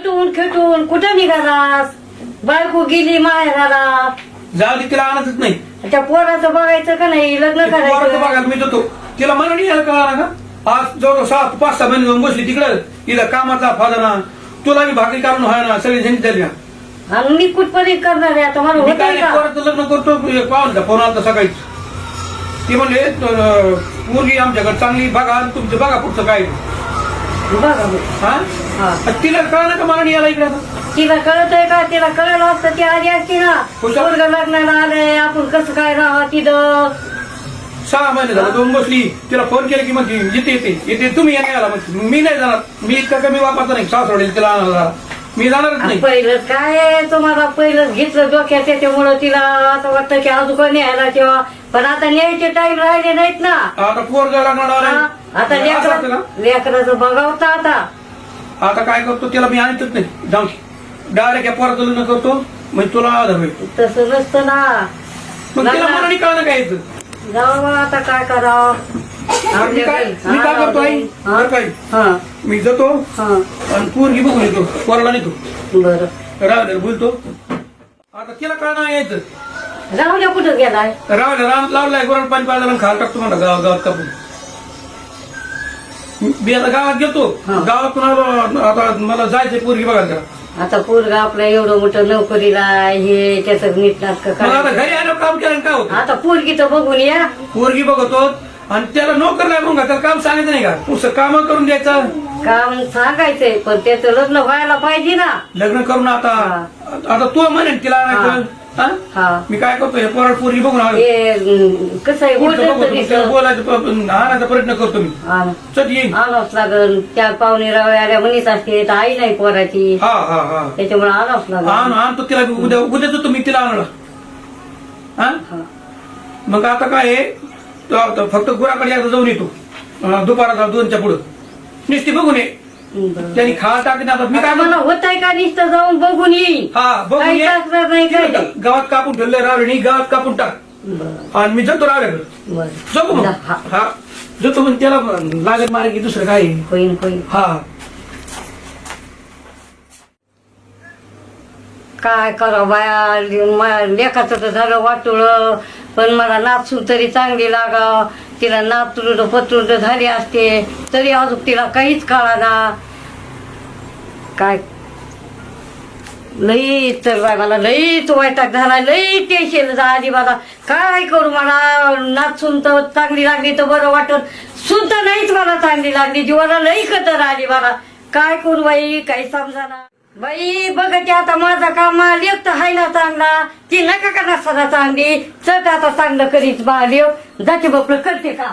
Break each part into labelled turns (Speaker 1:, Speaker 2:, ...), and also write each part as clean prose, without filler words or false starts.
Speaker 1: नटून खेटून कुठं निघालास? बायको गेली माहेराला.
Speaker 2: जाऊ दे, तिला आणतच नाही.
Speaker 1: त्या पोराचं बघायचं का नाही? लग्न
Speaker 2: पोराचं
Speaker 1: करायचं.
Speaker 2: बघायला मी जातो. तिला मला नाही यायला कळणार का? आज जवळ 7-5-6 महिने जाऊन बसली तिकडं. तिला कामाचा फायदा ना, तुला मी भाकरी काढून व्हाय ना, सगळी झंझट झाली ना.
Speaker 1: आणि मी कुठपर्यंत करणार आहे आता? मला
Speaker 2: मी
Speaker 1: होत
Speaker 2: काय
Speaker 1: का?
Speaker 2: पोराचं लग्न करतो. पाहून फोन आला सकाळीच. ती म्हणले मुलगी आमच्याकडे चांगली बघा आणि तुमचं बघा पुढचं काय.
Speaker 1: बघा मग.
Speaker 2: हा
Speaker 1: हा.
Speaker 2: तिला कळलं का मला नाही यायला इकडे आता?
Speaker 1: तिला कळत आहे का? तिला कळलं असतं ती आधी असती ना.
Speaker 2: कुठं?
Speaker 1: पोरगं लग्नाला आलंय, आपण कसं काय राहा तिथं.
Speaker 2: 6 महिने झाले दोन बसली. तिला फोन केला की म्हणते येते तुम्ही या नाही आला म्हणते. मी नाही जाणार. मी इतका कमी वापरता नाही. सासवडेल तिला आणायला मी जाणारच नाही.
Speaker 1: पहिलंच काय तुम्हाला पहिलंच घेतलं डोक्यात, त्याच्यामुळं तिला असं वाटतं की अजून न्यायला तेव्हा. पण आता न्यायचे टाइम राहिले नाहीत ना.
Speaker 2: आता पोरगा लागणार
Speaker 1: हा, आता लेकराचं बघावता आता.
Speaker 2: आता काय करतो तिला मी आणतच नाही. जाऊन डायरेक्ट या पोराचं लग्न करतो म्हणजे तुला आधार होईल.
Speaker 1: तसं नसतं ना.
Speaker 2: मग तिला मला नाही कळलं काय यायचं.
Speaker 1: जाऊ बा, आता काय करावं.
Speaker 2: मी काय करतो आई सकाळी
Speaker 1: हा
Speaker 2: मी जातो
Speaker 1: हा
Speaker 2: आणि पोरगी बघून येतो. पोराला नेतो.
Speaker 1: बरं
Speaker 2: रावल्या बोलतो. आता तिला कळणार यायचं.
Speaker 1: राहू द्या. कुठं गेलाय?
Speaker 2: रावल्या रानात लावलाय गोरण पाणी पाजायला खायला टाकतो म्हणा गावात कापून. मी आता गावात गेलो.
Speaker 1: हा.
Speaker 2: गावातून आलो. आता मला जायचंय पोरगी बघायला.
Speaker 1: आता पोरगा आपलं एवढं मोठं नोकरीला हे त्याचं नीट नाटक
Speaker 2: मग आता घरी आलो काम केलं काय होतं.
Speaker 1: आता पोरगी तर बघून या.
Speaker 2: पोरगी बघतो आणि त्याला नोकर नाही म्हणून त्याला काम सांगायचं नाही का? पुढचं काम करून द्यायचं.
Speaker 1: काम सांगायचंय पण त्याचं लग्न व्हायला पाहिजे ना.
Speaker 2: लग्न करून आता आता तू म्हणेन तिला आणायचं. हा?
Speaker 1: हा
Speaker 2: मी काय करतो हे पोरगी बघून आलो.
Speaker 1: हे कसं आहे
Speaker 2: पुढचं
Speaker 1: बोलत
Speaker 2: बघतो. त्याला बोलायचं आणायचा प्रयत्न करतो मी. चल येईन.
Speaker 1: आणावंच लागल. त्या पाहुणे रावळे आल्या म्हणीच असते तर आई नाही पोराची.
Speaker 2: हा हा हा
Speaker 1: त्याच्यामुळे आणावंच लागल.
Speaker 2: आणतो तिला उद्या जातो मी तिला आणला. हा
Speaker 1: हा.
Speaker 2: मग आता काय आहे, तो फक्त गुराकडे एकदा जाऊन येतो दुपाराचा 2च्या पुढं. नुसती बघून ये.
Speaker 1: बरं.
Speaker 2: त्यांनी खाल टाकले. आता मी काय
Speaker 1: मला
Speaker 2: म्हणतो
Speaker 1: होत आहे का नुसतं जाऊन बघून येईन.
Speaker 2: हा बघून
Speaker 1: काही
Speaker 2: ये.
Speaker 1: टाकणार नाही काय नाही.
Speaker 2: गावात कापून ठेवलंय रावणी गावात कापून टाक
Speaker 1: बरं
Speaker 2: आणि मी जातो रावल्याकडे.
Speaker 1: बरं.
Speaker 2: जाऊ मग.
Speaker 1: हा.
Speaker 2: हा जातो मग त्याला लागत मारे की दुसरं काय आहे.
Speaker 1: होईन होईन.
Speaker 2: हा
Speaker 1: काय करावं बाया, लेखाचं तर झालं वाटुळ. पण मला नाचून तरी चांगली लागाव. तिला नातरुड पत्रुड झाली असते तरी अजून तिला काहीच कळाना. काय लई तर बाय मला लईच वैताग झाला. लई टेन्शन झाली मला. काय करू? मला नाचून तर चांगली लागली तर बरं वाटत. सुद्धा नाहीच मला चांगली लागली. जीवाला लई कदर आली मला. काय करू बाई? काही समजाना बाई. बघते आता माझा काम लेख तर हाय ना चांगला. ती नका का नसताना चांगली. चल आता चांगलं करीत बा लेव. जाते बापलं करते का.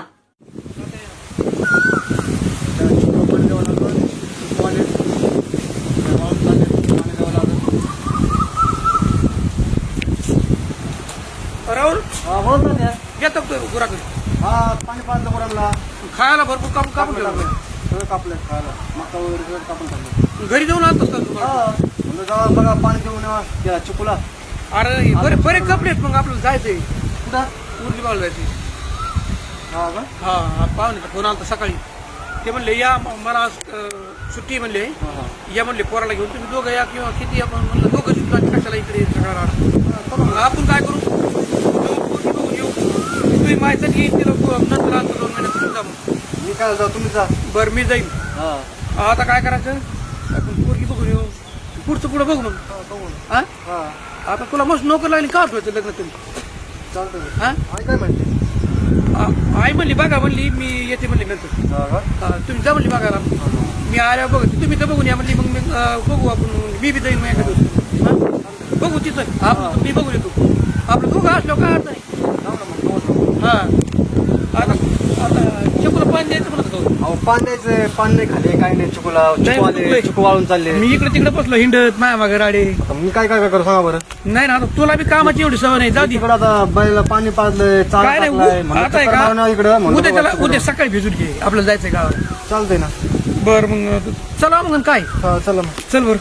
Speaker 2: राहुल
Speaker 3: हा बोल ना त्या.
Speaker 2: येतो गुराकडे.
Speaker 3: हा पाणी पाजलं गुरांना.
Speaker 2: खायला भरपूर कापून कापून ठेवलं.
Speaker 3: सगळं कापलंय खायला. मका वगैरे सगळं कापून टाकलं.
Speaker 2: घरी जाऊन आणतोस का तू?
Speaker 3: हा म्हणलं जावा बघा पाणी देऊन या त्या चिकूला.
Speaker 2: अरे बरे कपडे आहेत. मग आपल्याला जायचंय
Speaker 3: कुठं?
Speaker 2: मुरली बाळला जायचंय.
Speaker 3: हा का?
Speaker 2: हा पाहुणे फोन आला सकाळी. ते म्हणले या मला आज, सुट्टी म्हणले.
Speaker 3: हा हा
Speaker 2: या म्हणले पोराला घेऊन तुम्ही दोघं या किंवा किती आपण म्हणलं दोघं सुद्धा कशाला इकडे सगळा मग आपण काय करू पोरगी बघून येऊ. तुम्ही माहिती येईल तिला नंतर आता 2 महिन्यात तुम्ही जा मग.
Speaker 3: मी काय जाऊ तुम्ही जा.
Speaker 2: बरं मी जाईन.
Speaker 3: हा
Speaker 2: आता काय करायचं आपण पोरगी बघून येऊ. पुढचं पुढं बघू मग.
Speaker 3: बघू.
Speaker 2: हा
Speaker 3: हा
Speaker 2: आता तुला मस्त नोकर लागली का ठेवायचं लग्न तुम्ही.
Speaker 3: चालतं.
Speaker 2: हा
Speaker 3: आई काय म्हणते?
Speaker 2: आई म्हणली बघा म्हणली मी येते म्हणली नंतर.
Speaker 3: हा का?
Speaker 2: तुम्ही जा म्हणली बघायला. मी आल्या बघ तुम्ही तर बघून या म्हणली. मग मी बघू आपण. मी बी जाईन मग एका दिवशी. बघू तिथं आपण मी बघून येतो. आपलं दोघं असलो काय अर्थ नाही.
Speaker 3: जाऊ ना मग दोन.
Speaker 2: हा आता चिकूला पाणी द्यायचं म्हणत होतो.
Speaker 3: अहो पाणी द्यायचं. पाणी नाही खाले काही नाही. चिकूला
Speaker 2: नाही,
Speaker 3: चिकू आले. चिकू वाळून चालले.
Speaker 2: मी इकडे तिकडे बसलो हिंडत माया मागे राडे.
Speaker 3: आता मी काय काय करू सांगा बरं.
Speaker 2: नाही ना आता तुला बी कामाची एवढी सवय नाही. जाऊ दे.
Speaker 3: तिकडं आता बैला पाणी पाजलंय. चाल
Speaker 2: काय
Speaker 3: टाकलाय.
Speaker 2: नाही आता आहे का
Speaker 3: इकडं
Speaker 2: उद्या त्याला उद्या सकाळी भिजून घे. आपल्याला जायचंय गावात.
Speaker 3: चालतंय ना.
Speaker 2: बरं मग चला मग काय.
Speaker 3: हा चला मग.
Speaker 2: चल बरं.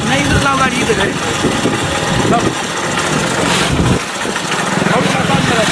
Speaker 2: नाही इथं लाव गाडी इथं काय लाव. हळू करा, चालू करा.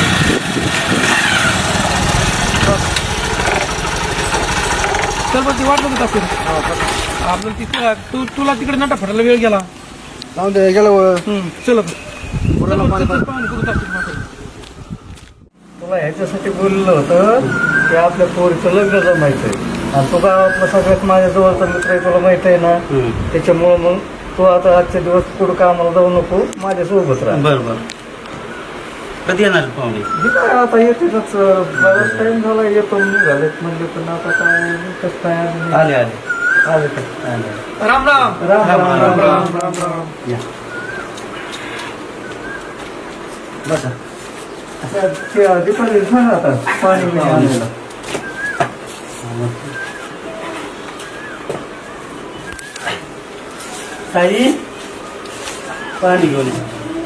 Speaker 2: चल बघ ती वाट बघत असेल आपलं तिकडं तुला तिकडे नटा फटायला वेळ गेला.
Speaker 3: जाऊन दे गेलं
Speaker 2: चल
Speaker 3: पुराला पाणी
Speaker 2: पाणी बघत असतील.
Speaker 1: तुला ह्याच्यासाठी बोललं होतं की आपल्या पोरीचं लग्न जमायचंय आणि तू गावातला सगळ्यात माझ्या जवळचा मित्र आहे, तुला माहित आहे ना. त्याच्यामुळं मग तू आता आजचे दिवस पुढं कामाला जाऊ नको, माझ्यासोबत राहा.
Speaker 4: बरं कधी येणार पाहुणे?
Speaker 1: हे काय आता येतेच, बराच टाइम झाला येतो निघालेत म्हणजे, पण आता काय कसं काय
Speaker 4: आले
Speaker 1: आले का?
Speaker 2: राम राम
Speaker 1: राम राम राम राम राम राम.
Speaker 4: या बसा.
Speaker 1: दीपाली सांगा आता पाणी नाही आणलेलं.
Speaker 4: ताई पाणी घेऊन या.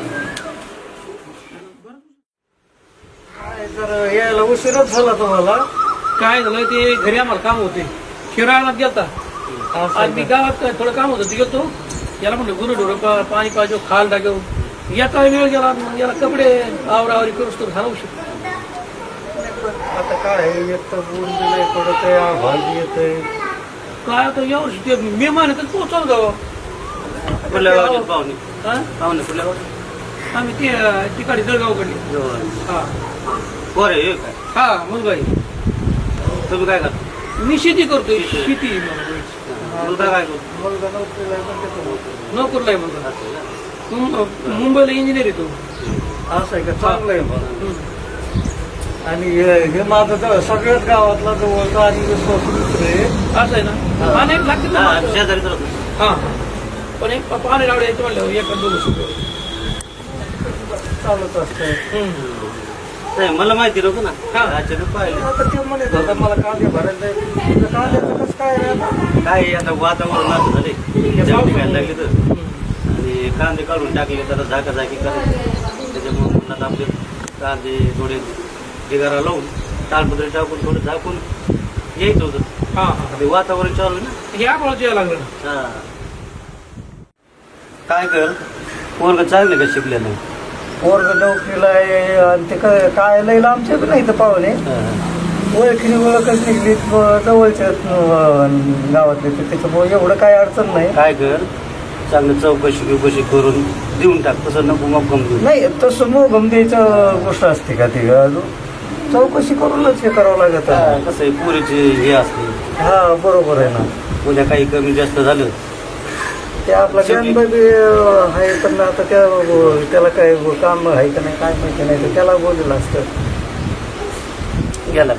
Speaker 1: काय जर यायला उशीरच झाला तुम्हाला.
Speaker 2: काय झालं ते घरी आम्हाला काम होते, शिराळात गेलता. आज मी गावात थोडं काम होतं ते गेलतो. याला म्हणलं गुरु पाणी पाहिजे, खाल टाकव. याचा वेळ गेला, मग याला कपडे आवरावरी करूच तर झाला उशीर.
Speaker 1: आता काय एक तर ऊन दिलंय पडत आहे, आभाळ येतंय.
Speaker 2: काय आता यावर्षी ते मे महिन्यातच पोहोचवलं गाव.
Speaker 4: कुठल्या गावाचे पाहुणे?
Speaker 2: हा?
Speaker 4: पाहुणे कुठल्या गावाचे?
Speaker 2: आम्ही ते तिकडे जळगावकडे. हा
Speaker 4: बरं हे काय
Speaker 2: हा मुलगा आहे.
Speaker 4: तुम्ही काय करता?
Speaker 2: मी शेती करतोय, शेती
Speaker 4: मुलगा काय करतो?
Speaker 1: मुलगा नोकरीला आहे पण त्याचं
Speaker 2: नोकरला आहे मुलगा. मुंबईला इंजिनियर येतो.
Speaker 1: असं आहे का? चांगलं आहे मग. आणि हे माझं तर सगळ्याच गावातला जवळचा आणि विश्वास मित्र आहे.
Speaker 2: असं आहे ना. अनेक लागते ना.
Speaker 4: हा, शेजारी तर होतो.
Speaker 2: हा पण एक पाणी लावडे यायचं म्हणलं एका दोन सुद्धा.
Speaker 1: चालत असतं.
Speaker 4: नाही मला माहिती नव्हतं ना.
Speaker 2: हा.
Speaker 4: अचानक पाहिलं.
Speaker 1: आता ते म्हणत होता मला कांदे भरायला जायचं. कांद्याचं कसं काय रे आता?
Speaker 4: काय आता वातावरण असं झाले व्हायला लागले तर आणि कांदे काढून टाकले तर झाकाझाकी करायचे. त्याच्यामुळे म्हणतात आपले कांदे थोडे ढिगारा लावून तालपत्री टाकून थोडं झाकून यायचं होतं.
Speaker 2: हा हा
Speaker 4: ते वातावरण चालू आहे ना.
Speaker 2: हे आपल्याला यायला लागलं ना.
Speaker 4: हा. काय कर पोरग चांगलं का शिकलेलं?
Speaker 1: पोरग नोकरीला आहे आणि ते काय लई लांबचे बी नाही तर पाहुणे. ओळखीने ओळखच निघली जवळच्या गावातले, त्याच्यामुळे एवढं काय अडचण नाही.
Speaker 4: काय कर चांगलं चौकशी करून देऊन टाक. तसं नको मग गमतो.
Speaker 1: नाही तसं मोगम द्यायचं गोष्ट असते का ती? चौकशी करूनच हे करावं लागत.
Speaker 4: कसं आहे पुरीचे हे असते.
Speaker 1: हा बरोबर आहे ना.
Speaker 4: उद्या काही कमी जास्त झालं
Speaker 1: ते आपला गणपती आहे पण आता त्याला काय काम आहे का नाही काय माहिती नाही, तर त्याला बोललेलं असतं.
Speaker 4: गेला.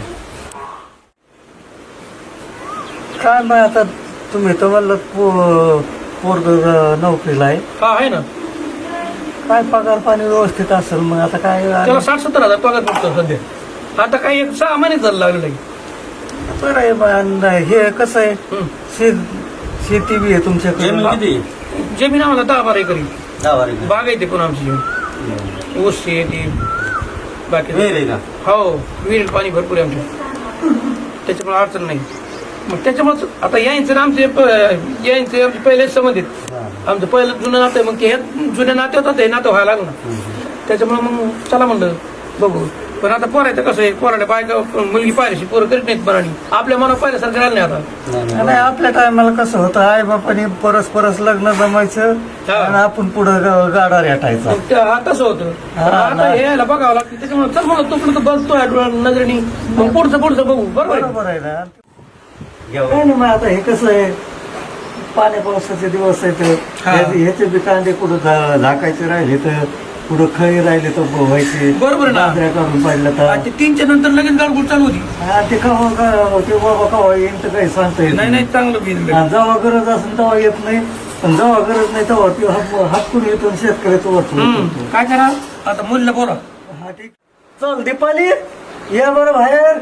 Speaker 1: काय मग आता तुम्ही तर म्हणलं पोरग नोकरीला आहे,
Speaker 2: हा आहे ना.
Speaker 1: काय पगार पाणी व्यवस्थित असेल मग आता काय.
Speaker 2: त्याला 60-70 हजार पगार भेटतो सध्या. आता काही 6 महिने झालं लागलं.
Speaker 1: बरं आहे मग. हे कसं आहे शेती बी आहे तुमच्याकडे?
Speaker 4: जमीन किती?
Speaker 2: जमीन आम्हाला 10-12 एकरी
Speaker 4: 10 एकर.
Speaker 2: बाग आहे ते पण आमची जमीन. ऊस आहे ती बाकी.
Speaker 4: विहीर आहे का?
Speaker 2: हो विहिरीत पाणी भरपूर आहे आमच्या, त्याच्यामुळे अडचण नाही. मग त्याच्यामुळे आता यायचं आमचे आमचे पहिले संबंधित आमचं पहिलं जुनं नातं आहे. मग ते जुन्या नाते होतं ते नातं व्हायला लागलं ना. त्याच्यामुळे मग चला म्हणलं बघू. पण आता पोरायचं कसं आहे, पोराला बायका मुलगी पाहिल्याशी पोरं करीत नाहीत मनाने. आपल्या मनात पाहिल्यासारखं राहिलं नाही आता.
Speaker 1: नाही आपल्या टायमाला कसं होतं, आई बापाने परस लग्न जमायचं आणि आपण पुढं गाडा रेटायचा.
Speaker 2: मग ते तसं होतं. आता हे यायला बघावं लागतं. त्याच्यामुळे चल मला तोपर्यंत बघतोय नजरेने, मग पुढचं बघू. बरोबर आहे.
Speaker 1: बरोबर आहे ना. काय नाही मग आता हे कसं आहे, पाण्या पावसाचे दिवस आहेत. ह्याचे बी कांदे कुठं झाकायचे राहिले तर कुठं खळी राहिले तर व्हायचे.
Speaker 2: बरोबर आहे ना.
Speaker 1: नांदऱ्या काढून पाडलं तर
Speaker 2: ते 3च्या नंतर लगेच गाडगुड चालू होती.
Speaker 1: ते ते बाबा कवा येईन तर काही सांगता येत
Speaker 2: नाही चांगलं बिल.
Speaker 1: जेव्हा गरज असेल तेव्हा येत नाही, पण जेव्हा गरज नाही तेव्हा ती हातकून येतो शेतकऱ्याचं वाटतं.
Speaker 2: काय करा आता मुलीला बोला.
Speaker 1: हा ठीक. चल दीपाली या बरं बाहेर.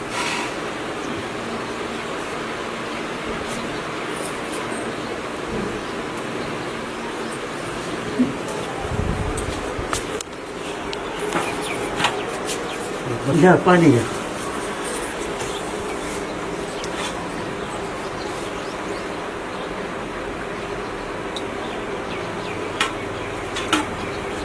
Speaker 1: घ्या पाणी घ्या.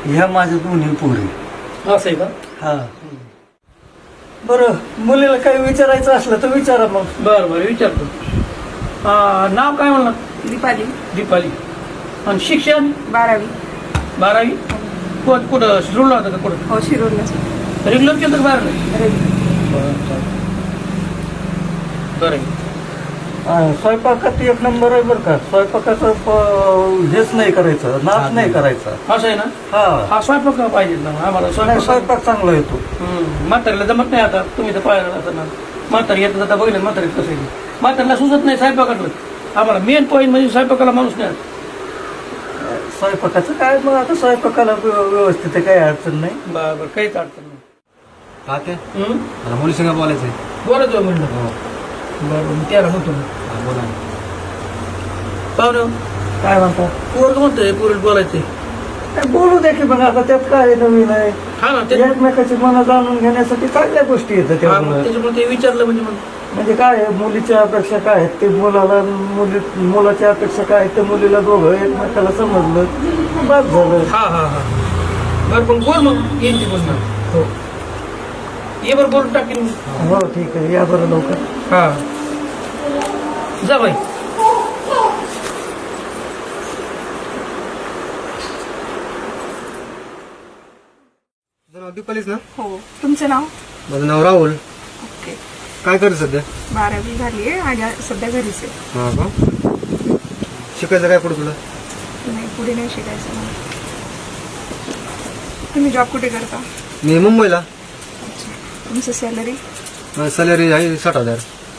Speaker 5: ह्या माझ्या दोन्ही पोरी.
Speaker 2: असं आहे का?
Speaker 5: हा. बरं, मुलीला काही विचारायचं असलं तर विचारा मग.
Speaker 2: बरं बरं विचारतो. नाव काय म्हणलं?
Speaker 6: दीपाली.
Speaker 2: दीपाली. आणि शिक्षण?
Speaker 6: 12वी.
Speaker 2: 12वी. कुठं शिरूरला होतं का कुठं?
Speaker 6: हो, शिरूरला.
Speaker 2: रेग्युलर केलं का बाहेर नाही? बरं.
Speaker 5: स्वयंपाकात एक नंबर आहे बरं का. स्वयंपाकाचं हेच नाही करायचं, नाच नाही करायचा.
Speaker 2: असं आहे ना?
Speaker 5: हा.
Speaker 2: हा स्वयंपाक पाहिजे ना आम्हाला.
Speaker 5: नाही, स्वयंपाक चांगला येतो.
Speaker 2: म्हातारीला जमत नाही. आता तुम्ही तर पाहिलं असं ना, म्हातारी येतं जाता बघितलं म्हातारी कसं आहे. म्हातारीला सुचत नाही स्वयंपाकातलं. आम्हाला मेन पॉईंट म्हणजे स्वयंपाकाला माणूस नाही.
Speaker 5: स्वयंपाकाचं काय मग आता स्वयंपाकाला व्यवस्थित आहे, काही अडचण नाही.
Speaker 2: बरं काहीच अडचण नाही.
Speaker 3: तात्या मला मुली संग बोलायचंय.
Speaker 2: बोलायचं म्हणलं. बरं मी त्याला म्हणतो.
Speaker 3: बोला.
Speaker 2: पाहुणे
Speaker 5: काय म्हणता?
Speaker 2: पोरग म्हणतोय पोरीला बोलायचंय.
Speaker 5: काय बोलू दे की मग, आता त्यात काय नवीन आहे.
Speaker 2: हा ना ते
Speaker 5: एकमेकाची मनं जाणून घेण्यासाठी चांगल्या गोष्टी येतात त्यामुळे.
Speaker 2: त्याच्यामुळे ते विचारलं म्हणजे मग
Speaker 5: म्हणजे काय आहे, मुलीच्या अपेक्षा काय आहेत ते मुलाला, मुलाच्या अपेक्षा काय आहेत ते मुलीला, दोघं एकमेकाला समजलं बस झालं.
Speaker 2: हा हा हा. बरं पण बोल मग येईल ती बोलणार.
Speaker 5: हो
Speaker 2: ये बरं बोलून टाकीन.
Speaker 5: हो ठीक आहे, या बरं लवकर.
Speaker 2: हा जा बाई.
Speaker 3: तुझं नाव दीपालीच ना?
Speaker 6: हो. तुमचं नाव?
Speaker 3: माझं नाव राहुल.
Speaker 6: ओके.
Speaker 3: काय करते सध्या?
Speaker 6: 12वी झाली आहे आणि सध्या घरीच आहे.
Speaker 3: हा का? शिकायचं काय पुढे तुला?
Speaker 6: नाही, पुढे नाही शिकायचं मला. तुम्ही जॉब कुठे करता?
Speaker 3: मी मुंबईला.
Speaker 6: अच्छा. तुमचं सॅलरी?
Speaker 3: सॅलरी आहे 60,000.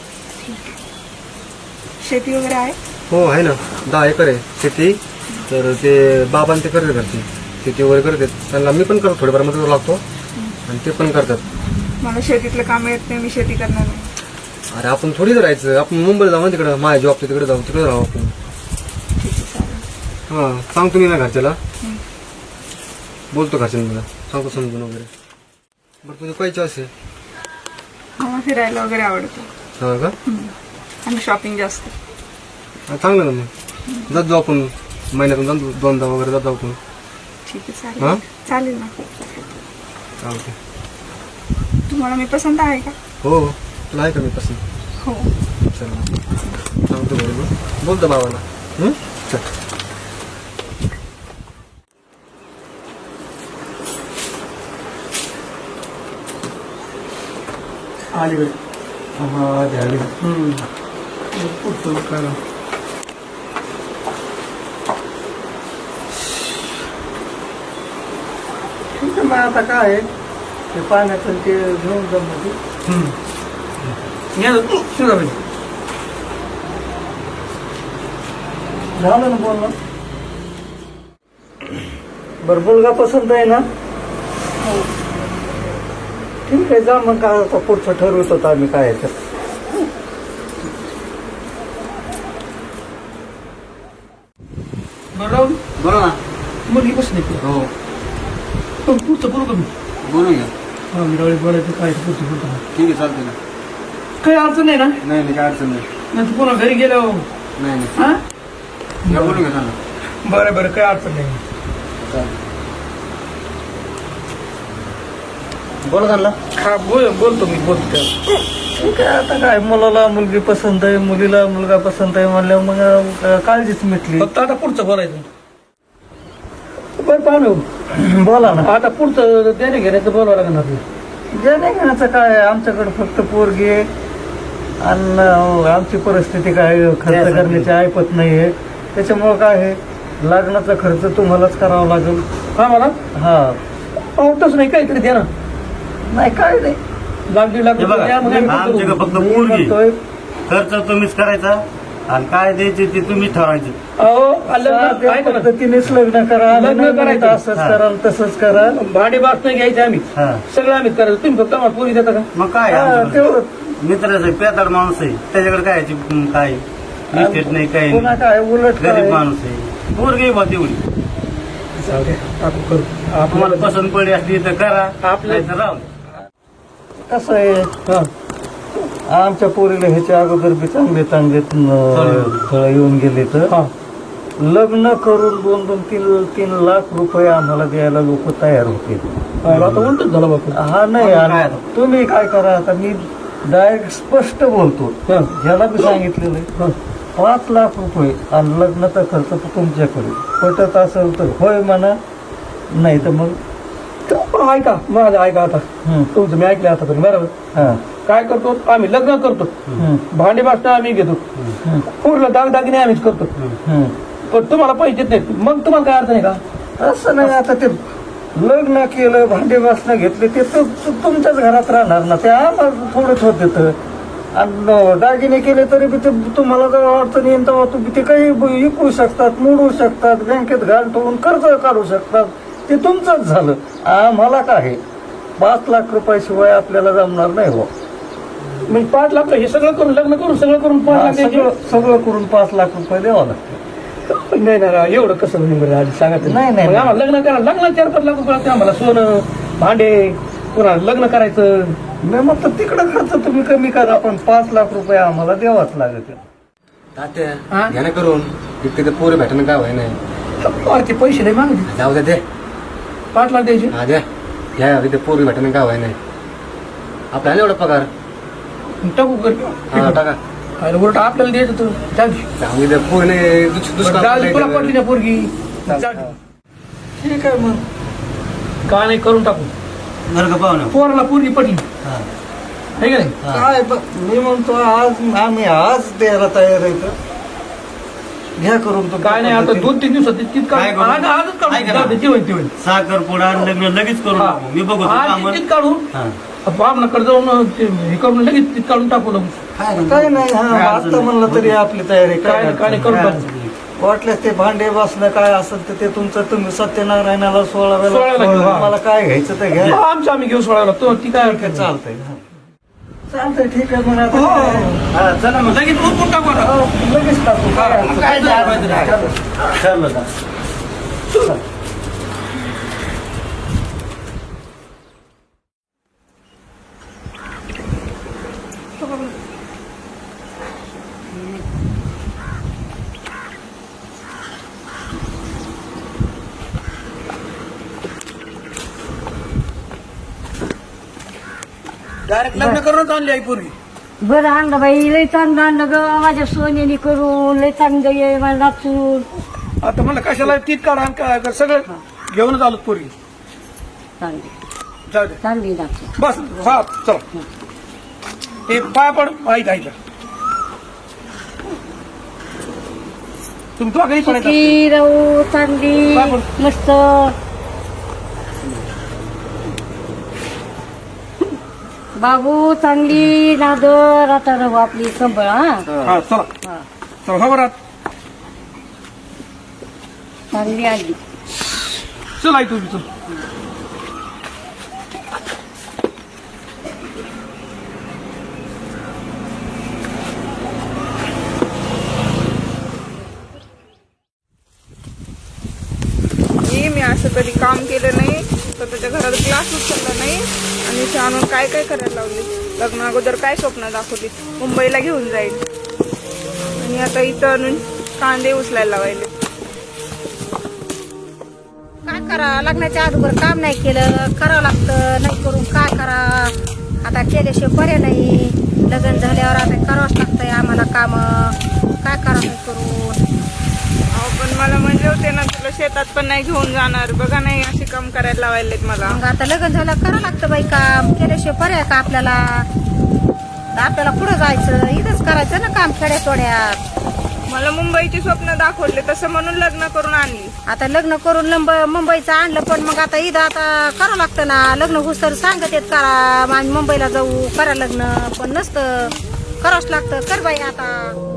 Speaker 6: शेती वगैरे आहे?
Speaker 3: हो आहे ना, 10 एकर आहे शेती. तर ते बाबांनी ते करते घरची शेती वगैरे करतात. त्यांना मी पण करतो, थोडीफार मदत लागतो आणि ते पण करतात.
Speaker 6: मला शेतीतलं काम येत नाही, मी शेती करणार नाही.
Speaker 3: अरे आपण थोडी राहायचं, आपण मुंबईला जाऊ ना, तिकडं माझ्या जॉब तिकडे जाऊ, तिकडे राहू आपण.
Speaker 6: ठीक आहे, चालेल.
Speaker 3: हा सांगतो मी ना घरच्याला, बोलतो घरच्यांना, मला सांगतो समजून वगैरे. बरं तुझं काय चॉईस आहे?
Speaker 6: मला फिरायला वगैरे आवडतं.
Speaker 3: हा का?
Speaker 6: आणि शॉपिंग जास्त.
Speaker 3: हा, चांगलं ना मग. जात जाऊ आपण महिन्यातून 2दा वगैरे जात जाऊ आपण.
Speaker 6: ठीक आहे,
Speaker 3: हा?
Speaker 6: चालेल. चालेल ना.
Speaker 3: चालते.
Speaker 6: तुम्हाला मी पसंत आहे का?
Speaker 3: हो तुला आहे का मी पसंत?
Speaker 6: हो.
Speaker 3: चल सांगतो बरोबर, बोलतो बाबाला. चल.
Speaker 2: अलीकडे.
Speaker 5: हा झाली.
Speaker 2: पुढचं काय
Speaker 5: ठीक आहे, मग आता काय आहे ते पाण्याचं ते घेऊन जाऊ मध्ये.
Speaker 2: या सुद्धा बाई.
Speaker 5: झालं ना बोलणं. बरं, मुलगा पसंत आहे ना? ठीक आहे, जा मग. काय आता पुढचं ठरवत होतं आम्ही काय आहे तर.
Speaker 2: बरं राहुल
Speaker 3: बोला ना.
Speaker 2: मुलगी बसली.
Speaker 3: हो
Speaker 2: पण पुढचं बोलू का मी?
Speaker 3: बोलू घ्या.
Speaker 2: हा मी राहुल बोलायचं काय पुढचं बोलतो.
Speaker 3: ठीक आहे, चालते ना.
Speaker 2: काही अडचण नाही ना?
Speaker 3: नाही नाही, काय अडचण नाही.
Speaker 2: नाही तू पुन्हा घरी गेल्यावर
Speaker 3: नाही नाही,
Speaker 2: हा
Speaker 3: या बोलू घ्या ना.
Speaker 2: बरं बरं काही अडचण नाही.
Speaker 3: चालते. बोला त्यांना.
Speaker 2: हा बोलतो मी बोलतो त्याला.
Speaker 5: ठीक आहे, आता काय मुलाला मुलगी पसंत आहे, मुलीला मुलगा पसंत आहे म्हणल्यावर मग काळजीच मिटली.
Speaker 2: फक्त आता पुढचं बोलायचं.
Speaker 5: बरं पाहू, बोला ना.
Speaker 2: आता पुढचं देणे घेण्याचं बोलावं लागणार.
Speaker 5: जे नाही घेण्याचं काय आहे, आमच्याकडे फक्त पोरगी आहे आणि आमची परिस्थिती काय खर्च करण्याची ऐपत नाही आहे. त्याच्यामुळं काय आहे, लग्नाचा खर्च तुम्हालाच करावा लागेल.
Speaker 2: हा मला
Speaker 5: हा.
Speaker 2: पाहतच नाही काहीतरी द्या ना.
Speaker 5: नाही काय नाही,
Speaker 2: लाख 1.5 लाख
Speaker 4: हे बघा,
Speaker 2: द्या, मग आम्ही
Speaker 4: आमच्याकडे
Speaker 2: करू.
Speaker 4: फक्त
Speaker 5: मी
Speaker 4: पोरगी.
Speaker 5: म्हणतोय,
Speaker 4: खर्च तुम्हीच करायचा आणि काय द्यायचे ते तुम्हीच ठरवायचे.
Speaker 2: अहो लग्न
Speaker 5: साध्या
Speaker 2: ऐका ना.
Speaker 5: पद्धतीनेच लग्न करा.
Speaker 2: लग्न
Speaker 5: लग्न
Speaker 2: करायचं.
Speaker 5: करायचं असंच करा तसंच करा.
Speaker 2: भाडे बास नाही घ्यायचे आम्ही.
Speaker 4: हा.
Speaker 2: सगळं आम्हीच करायचं. तुम्ही फक्त आम्हाला पोरी देता का?
Speaker 4: मग काय
Speaker 5: हा,
Speaker 4: आमच्याकडे?
Speaker 5: तेवढं.
Speaker 4: मित्राचं पेताड माणूस आहे, त्याच्याकडे काय काय इस्टेट नाही, काही
Speaker 5: पुन्हा
Speaker 4: नाही.
Speaker 5: काय उलट
Speaker 4: गरीब
Speaker 5: काय,
Speaker 4: माणूस आहे. पोरगी बा तेवढी.
Speaker 2: जाऊ दे, आपण करू.
Speaker 4: तुम्हाला पसंत पडली असली तर करा,
Speaker 2: आपल्या-
Speaker 4: नाही तर राहू.
Speaker 5: कसं आहे,
Speaker 2: हा.
Speaker 5: आमच्या पोरीला ह्याच्या अगोदर बी चांगले चांगले स्थळ येऊन गेले तर
Speaker 2: हा.
Speaker 5: लग्न करून 2-3 लाख रुपये आम्हाला द्यायला लोक तयार होते.
Speaker 2: आता उलटच झालं बापू.
Speaker 5: हा नाही आणि तुम्ही काय करा, आता मी डायरेक्ट स्पष्ट बोलतो, ज्याला मी सांगितलेलं आहे 5 लाख रुपये आणि लग्नाचा खर्च तुमच्याकडे पटत असेल तर होय म्हणा, नाही तर मग
Speaker 2: पण ऐका माझं, ऐका आता तुमचं मी ऐकलं आता, बरोबर.
Speaker 5: हा
Speaker 2: काय करतो आम्ही, लग्न करतो, भांडे भासणं आम्ही घेतो, पूर्ण दागदागिने आम्हीच करतो, पण तुम्हाला पैसे देत नाही, मग तुम्हाला काय अर्थ नाही का?
Speaker 5: असं नाही. आता ते लग्न केलं, भांडे वासनं घेतले, ते तर तुमच्याच घरात राहणार ना, ते आम्हाला थोडंच होत देतं. आणि दागिने केले तरी बी ते तुम्हाला जर अडचण येईल तेव्हा तुम्ही ते काही विकू शकतात, मोडू शकतात, बँकेत घाल ठेवून कर्ज काढू शकतात, ते तुमचंच झालं. आम्हाला काय 5 लाख रुपयाशिवाय आपल्याला जमणार नाही हो.
Speaker 2: म्हणजे 5 लाख हे सगळं करून, लग्न करून सगळं करून 5 लाख द्यायचे?
Speaker 5: सगळं करून 5 लाख रुपये द्यावं लागतं.
Speaker 2: नाही ना, एवढं कसं नाही बरं, आधी सांगा तरी.
Speaker 5: नाही, नाही,
Speaker 2: मग आम्हाला लग्न करा, लग्न 4-5 लाख रुपये लागते आम्हाला, सोनं, भांडे, पुन्हा लग्न करायचं.
Speaker 5: नाही मग तर तिकडं खर्च तुम्ही कमी करा, पण 5 लाख रुपये आम्हाला द्यावाच लागत.
Speaker 3: तात्या घ्या ना करून, तिथे पोरं भेटणं काय व्हाय नाही.
Speaker 2: अरे ते पैसे नाही मागते,
Speaker 3: जाऊ द्या ते.
Speaker 2: 5 लाख द्यायचे.
Speaker 3: हा द्या, घ्या तिथे पोरं भेटणं काय व्हाय नाही. आपल्याला एवढा पगार
Speaker 2: टाकू कर.
Speaker 3: हा टाका.
Speaker 2: अरे उलट आपल्याला द्यायचं तर जाऊ दे.
Speaker 3: सांगू द्या पोरीने
Speaker 2: जाऊ दे, तुला पडली ना पोरगी, जाऊ दे.
Speaker 5: ठीक आहे मग,
Speaker 2: का नाही करून टाकू,
Speaker 4: बरं का पाहुणं?
Speaker 2: पोराला पोरगी पडली आहे का नाही?
Speaker 5: काय मी म्हणतो आम्ही आज द्यायला तयार आहे तर घ्या करून. तो
Speaker 2: काय नाही, आता 2-3 दिवसात तितकं
Speaker 4: काय करू?
Speaker 2: आजच काढू,
Speaker 4: ऐका ना.
Speaker 2: जाऊ दे, ती होईल ती होईल.
Speaker 4: साखरपुडा आणि लग्न लगेच करून
Speaker 2: हा.
Speaker 4: टाकू. मी बघतो
Speaker 2: आज
Speaker 4: कामं.
Speaker 2: तिकीट काढून
Speaker 4: हा.
Speaker 2: आपल्याकडे जाऊन हे करून लगेच तिकीट काढून टाकू नको.
Speaker 5: काय नाही. हा आता म्हणलं तरी आपली तयारी
Speaker 2: काय नाही करून टाकू.
Speaker 5: वाटल्यास ते भांडे बसणं काय असेल तर ते तुमचं तुम्ही सत्यनारायणाला 16
Speaker 2: सोळाव्याला घेऊ, हा.
Speaker 5: मला काय घ्यायचं तर घ्या.
Speaker 2: आमचं आम्ही घेऊ सोडायला लागतो, ती काय अडचण नाही.
Speaker 5: चालतंय चालतंय, ठीक आहे मग आता
Speaker 2: हो.
Speaker 4: हा, चला मग.
Speaker 2: लगेच उरकून टाकू आता.
Speaker 5: लगेच टाकू.
Speaker 2: काय झालं?
Speaker 4: ठरलं का?
Speaker 2: डायरेक्ट लग्न करूनच आणली आई पोरगी.
Speaker 1: बरं आणलं बाई, लय चांगलं आणलं ग माझ्या सोन्यानी करून, लय चांगलं ये मला नाचून.
Speaker 2: आता मला कशाला तीत काढा आणि काय कर, सगळं घेऊनच आलो पोरगी.
Speaker 1: चांगली
Speaker 2: जाऊ दे
Speaker 1: चांगली नाचून.
Speaker 2: बस. हा चला, ते पाय पड ऐक ऐका तुमचं काही पडायचं
Speaker 1: सुखी राहू, चांगली
Speaker 2: बाबू.
Speaker 1: मस्त. बाबू चांगली नादर आता राहू आपली संभळ.
Speaker 2: हा चला चला, खबर आहात
Speaker 1: चांगली आली.
Speaker 2: चल आई तुम्ही चल.
Speaker 6: मी असं कधी काम केलं नाही, स्वतःच्या घरात क्लास उचलला नाही आणि इथे आणून काय काय करायला लावले. लग्न अगोदर काय स्वप्न दाखवली, मुंबईला घेऊन जाईल आणि आता इथं आणून कांदे उचलायला लावायले.
Speaker 7: काय करा, लग्नाच्या अगोदर काम नाही केलं, करावं लागतं, नाही करून काय करा. आता केल्याशिवाय पर्याय नाही. लग्न झाल्यावर आता करावंच लागतंय आम्हाला काम, काय करा नाही करून.
Speaker 6: अहो पण मला म्हणले होते ना तुला शेतात पण नाही घेऊन जाणार, बघा नाही असे काम करायला लावायलेत मला.
Speaker 7: मग आता लग्न झालं करावं लागतं बाई काम, केल्याशिवाय पर्याय का आपल्याला. आपल्याला पुढं जायचं, इथंच करायचं ना काम खेड्यातोड्यात.
Speaker 6: मला मुंबईची स्वप्न दाखवले तसं म्हणून लग्न करून आणली.
Speaker 7: आता लग्न करून मुंबईचं आणलं, पण मग आता इथं आता करावं लागतं ना. लग्न होस तर सांगत येत करा, आम्ही मुंबईला जाऊ करा लग्न, पण नसतं, करावंच लागतं. कर बाई आता.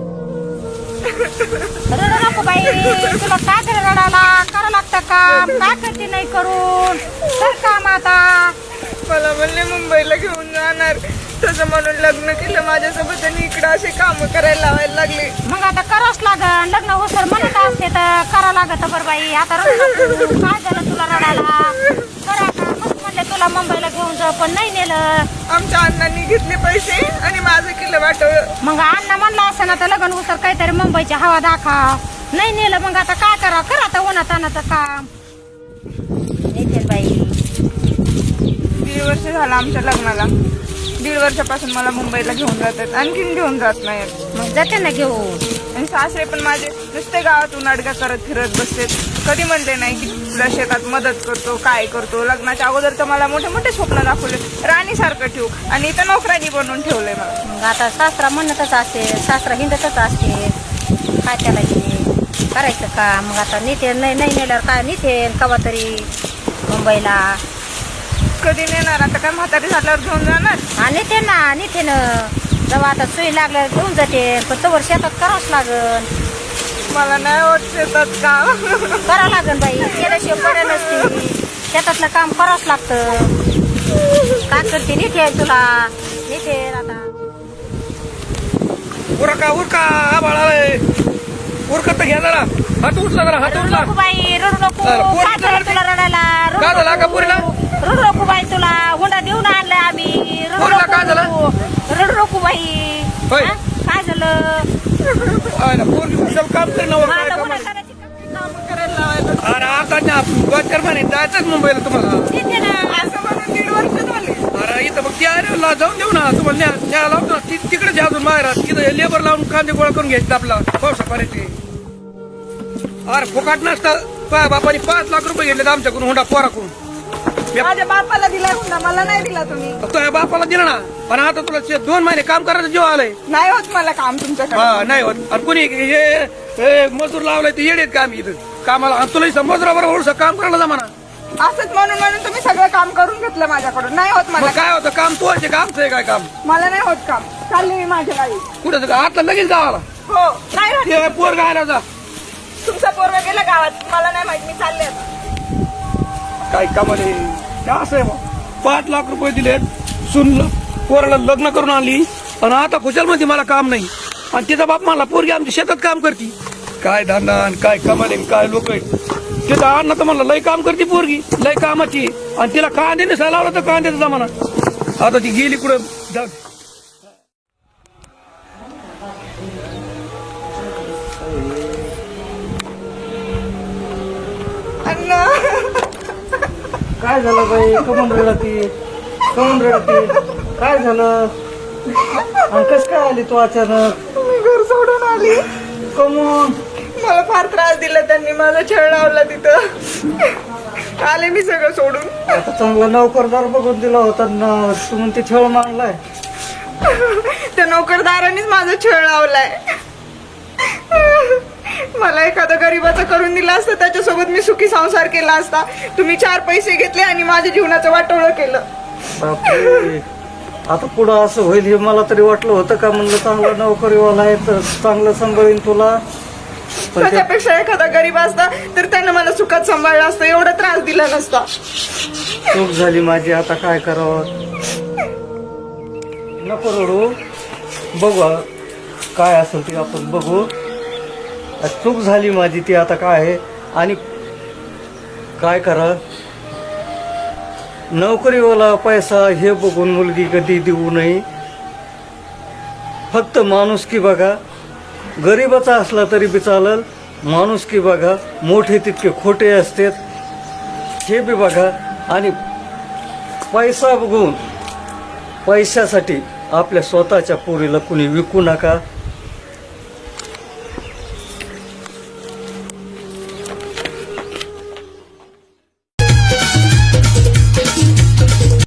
Speaker 7: रडू नको बाई, तुला काय तरी रडायला, करावं लागतं काम, काय करते नाही करून, कर काम आता.
Speaker 6: मला म्हणले मुंबईला घेऊन जाणार, तसं म्हणून लग्न केलं माझ्यासोबत आणि इकडं असे काम करायला लावायला लागले.
Speaker 7: मग आता करावंच लागन, लग्न होस तर म्हणत असते तर करावं लागत. बरं बाई आता रडू नको, काय झालं तुला रडायला, करा का. मस्त म्हणले तुला मुंबईला घेऊन जा, पण नाही नेलं.
Speaker 6: आमच्या अण्णांनी घेतले पैसे आणि माझं केलं वाटवं.
Speaker 7: मग अण्णा म्हणला असं ना तर लग्न होस तर काहीतरी मुंबईची हवा दाखव, नाही नेलं मग आता काय करा करा आता उन्हात आणाचं काम नेते बाई.
Speaker 6: 1.5 वर्ष झालं आमच्या लग्नाला. 1.5 वर्षापासून मला मुंबईला घेऊन जातात, आणखीन घेऊन जात नाहीत.
Speaker 7: मग जाते ना घेऊन.
Speaker 6: आणि सासरे पण माझे नुसते गावातून अडगा करत फिरत बसते. कधी म्हणले नाही की तुला शेतात मदत करतो काय करतो. लग्नाच्या अगोदर तर मला मोठे मोठे स्वप्न दाखवले, राणीसारखं ठेवू, आणि इथं नोकरानी बनवून ठेवलंय मला.
Speaker 7: मग आता सासरा म्हणतच असते, सासरा हिंडतच असते, काय त्याला हे करायचं का. मग आता नेते नाही नेल्यावर काय नेते कवा तरी मुंबईला.
Speaker 6: कधी नेणार आता, काय म्हातारी झाल्यावर घेऊन जाणार.
Speaker 7: हा नेते ना जेव्हा आता सुई लागल्यावर घेऊन जाते, पण तवर शेतात करावंच लागन.
Speaker 6: मला नाही होत शेतात काम.
Speaker 7: करावं लागन बाई, केल्याशिवाय पर्याय नसते. शेतातलं काम करावंच लागतं. काय करते नेते तुला नेते आता.
Speaker 2: उरका आबाळा उरकत तर घ्या जरा. हात उठला जरा, हात
Speaker 7: रडू
Speaker 2: उठला.
Speaker 7: नको बाई, रडू नको.
Speaker 2: अरे, पोरी
Speaker 7: काय झालं तुला रडायला? रडू
Speaker 2: काय झालं
Speaker 7: नको.
Speaker 2: का पोरीला?
Speaker 7: रडू नको बाई, तुला हुंडा देऊन आणलाय आम्ही. रडू
Speaker 2: पोरीला
Speaker 7: नको.
Speaker 2: काय झालं?
Speaker 7: रडू नको बाई.
Speaker 2: होय.
Speaker 7: हा? काय झालं?
Speaker 2: पोरगी कुशल काम करेन
Speaker 7: मग
Speaker 2: काय
Speaker 7: आता
Speaker 2: काम
Speaker 7: हुंडा
Speaker 2: आहे?
Speaker 7: करायची का?
Speaker 6: काम करायला लावायचं.
Speaker 2: अरे आता ना 2-4 महिने जायचंच मुंबईला तुम्हाला.
Speaker 7: देते ना.
Speaker 6: असं म्हणून 1.5 वर्ष झाले.
Speaker 2: अरे इथं मग त्या area जाऊन देऊ ना तुम्हाला न्यायला लावतो ना. तिकडे जा अजून माहेरात. तिथं लेबर लावून कांदे गोळा करून घ्यायचे आपला पावसा पाण्याचे. अरे फुकाट नसतं. बापाने 5 लाख रुपये घेतले आमच्याकडून हुंडा पोराकडून.
Speaker 6: माझ्या बापाला दिला हुंडा, मला नाही दिला तुम्ही.
Speaker 2: तुझ्या बापाला दिला ना, पण आता तुला 2 महिने काम करायचं जीव आलंय.
Speaker 6: नाही होत मला काम तुमच्याकडे.
Speaker 2: हा नाही होत. आणि कुणी हे मजूर लावलाय ते येडेत काम इथं कामाला. आणि तुला मजुराबरोबर ओळख काम करायला जमाना.
Speaker 6: असंच म्हणून तुम्ही सगळं काम करून घेतलं माझ्याकडून. नाही होत मला
Speaker 2: मग काय होतं काम तू आहे का आमचं आहे काय काम.
Speaker 6: मला नाही होत काम. चालले मी माझ्या गावी.
Speaker 2: कुठं आता लगेच गावाला
Speaker 6: हो नाही होत.
Speaker 2: ते पोर गायला जा.
Speaker 6: तुमचा पोरगा गेला गावात, मला नाही माहित. मी चालले आता.
Speaker 2: काय कामाले असं आहे मग. 5 लाख रुपये दिलेत सुन पोराला लग्न करून आणली, आणि आता खुशालमध्ये मला काम नाही. आणि तिचा बाप मला पोरगी आमच्या शेतात काम करते. काय धंदा आणि काय कमाले काय लोक आहेत तिथं. अण्णा तर मला लय काम करते पोरगी, लय कामाची. आणि तिला कांदे नसायला लावला तर कांद्याचा जमाना. आता ती गेली कुठं जाऊ.
Speaker 6: अण्णा
Speaker 5: काय झालं बाई, कमून रडती काय झालं. आणि कस काय आली तू अचानक.
Speaker 6: मी घर सोडून आली.
Speaker 5: कमून.
Speaker 6: मला फार त्रास दिला त्यांनी, माझा छळ लावला तिथं. आले मी सगळं सोडून.
Speaker 5: आता चांगला नोकरदार बघून दिला होता ना, तू म्हणते छळ मांडलाय.
Speaker 6: त्या नोकरदारांनीच माझा छळ लावलाय. मला एखादा गरीबाचा करून दिला असता, त्याच्यासोबत मी सुखी संसार केला असता. तुम्ही 4 पैसे घेतले आणि माझ्या जीवनाचं वाटोळं केलं.
Speaker 5: बापरे. आता पुढं असं होईल हे मला तरी वाटलं होतं का. म्हणलं चांगला नोकरीवाला आहे तर चांगलं सांभाळीन तुला. पण ते
Speaker 6: त्याच्यापेक्षा एखादा गरीब असता तर त्यानं मला सुखात सांभाळलं असतं, एवढा त्रास दिला नसता.
Speaker 5: चूक झाली माझी, आता काय करावं. नको रडू, बघू काय असेल ते आपण बघू. चूक झाली माझी ती, आता काय आहे. आणि काय करा, नोकरीवाला पैसा हे बघून मुलगी कधी देऊ नये. फक्त माणुसकी बघा. गरीबाचा असला तरी बी चालेल, माणुसकी बघा. मोठे तितके खोटे असतात हे बी बघा. आणि पैसा बघून पैशासाठी आपल्या स्वतःच्या पोरीला कुणी विकू नका.